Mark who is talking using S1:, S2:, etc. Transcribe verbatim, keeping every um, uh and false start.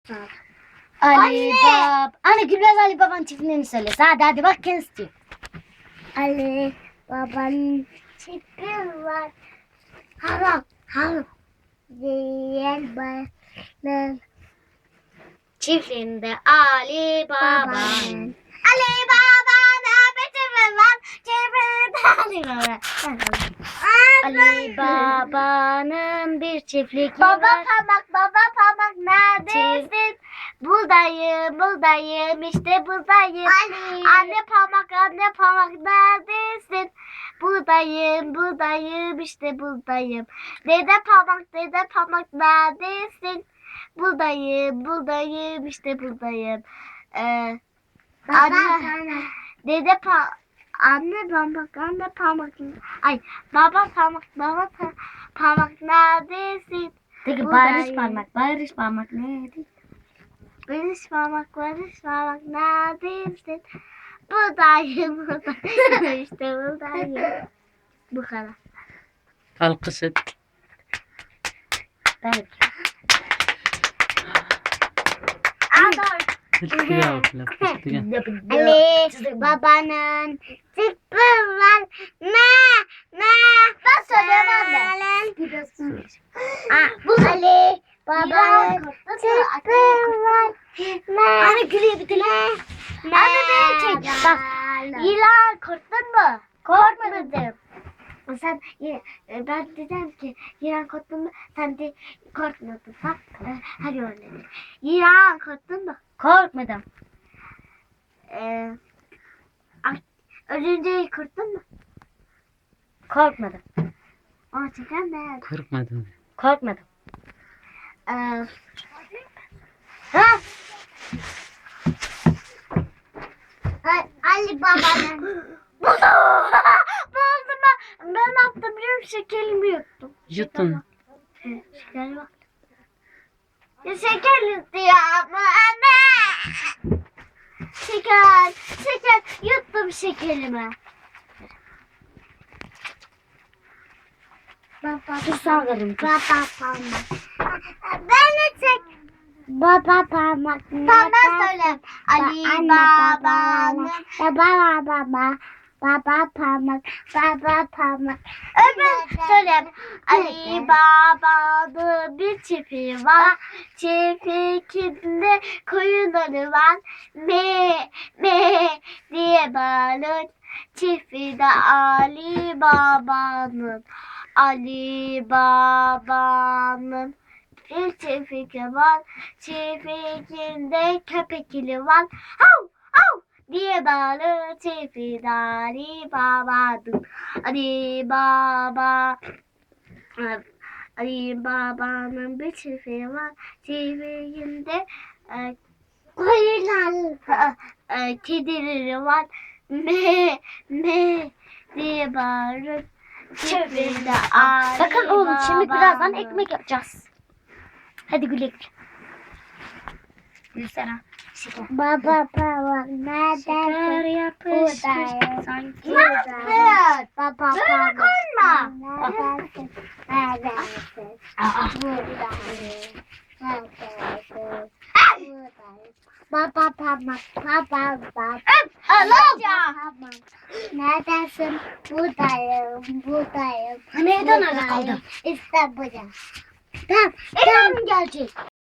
S1: Ali Bab. Anne Gülbez Ali Baba'nın çiftliğini söyle. Hadi hadi bak kendisi diyor.
S2: Ali Baba'nın çiftliği var. Haram haram. Diyen balık.
S1: Çiftliğinde Ali Baba'nın.
S2: Baba'nın.
S1: Ali Baba'nın bir çiftliği var. Çiftliğinde Ali Baba. Ali Baba'nın bir çiftlik
S2: Baba
S1: var.
S2: parmak baba parmak neredesin?
S1: Buradayım, buradayım, işte buradayım.
S2: Ali.
S1: Anne parmak, anne parmak neredesin? Buradayım, buradayım, işte buradayım. Dede parmak, dede parmak neredesin? Buradayım, buradayım, işte buradayım. Ee,
S2: Baba
S1: anne,
S2: parmak.
S1: dede pa anne parmak, anne parmak. Ay, baba parmak, baba pa parmak neredesin?
S2: Peki
S1: Buradayım.
S2: barış parmak, barış parmak neydi?
S1: Barış parmak, barış parmak neredesin? Buradayım, buradayım, işte buradayım. Bu kadar.
S3: Alkış et.
S1: Belki.
S3: Hiltiga otlab, hiltiga.
S2: Ali babanın tıpkı var. Ne? Ne?
S1: Ben söyleyeyim anne.
S2: Aa, Ali babanın tıpkı var. Ne?
S1: Anne gülüyor bir tane.
S2: Ne?
S1: Anne benim çek. Bak. İlan korktun mu? Korkmadım. Sen e, ben dedim ki İran korktun mu? Sen de korkmadın. Bak e, hadi öyle. İran korktun mu? Korkmadım. Ee, ölünce korktun mu? Korkmadım. Ama çeker mi?
S3: Korkmadım.
S1: Korkmadım. Ee, ha?
S2: A- Ali babanın.
S1: Buldum. Buldum ben. Ben ne yaptım biliyor musun? Şekerimi yuttum.
S3: Yutun.
S1: Şeker bak. Ya şeker istiyor ama anne. Şeker. Şeker. Yuttum şekerimi.
S2: Baba
S1: Dur sağladım.
S2: baba parmak. Ben de çek. Baba parmak.
S1: Tamam ben söyleyeyim. Ali
S2: Anne
S1: Baba'nın.
S2: Baba baba. Baba parmak. Baba parmak.
S1: Öbür söyleyeyim. Ali Baba'nın bir çiftliği var. Çiftliğinde koyunları var. Me me diye bağırır. Çiftliğinde Ali Baba'nın. Ali Baba'nın bir çiftliği var. Çiftliğinde köpekli var. Hav hav diye bağırır. Çiftliğinde Ali Baba'nın. Ali Baba Ali Baba'nın bir çiftliği var. Çiftliğinde e,
S2: Koyunlar.
S1: e, kedileri var. Me me diye bağırır. Çiftliğinde Ali
S2: Bakın oğlum şimdi birazdan
S1: Baba'nın.
S2: ekmek yapacağız. Hadi güle güle.
S1: Gülsene.
S2: Baba parmak
S1: Şeker
S2: neredesin?
S1: yapışmış
S2: Buradayım.
S1: sanki.
S2: Ne yaptın? Baba
S1: Böyle
S2: parmak.
S1: koyma.
S2: Neredesin? Neredesin?
S1: Aa.
S2: Buradayım. Neredesin? Buradayım. Baba parmak. Baba baba.
S1: Alacağım.
S2: Parmak. Neredesin? Buradayım. Buradayım.
S1: Neden öyle
S2: Buradayım.
S1: kaldı?
S2: İşte burada.
S1: Tamam. Ellerim gelecek.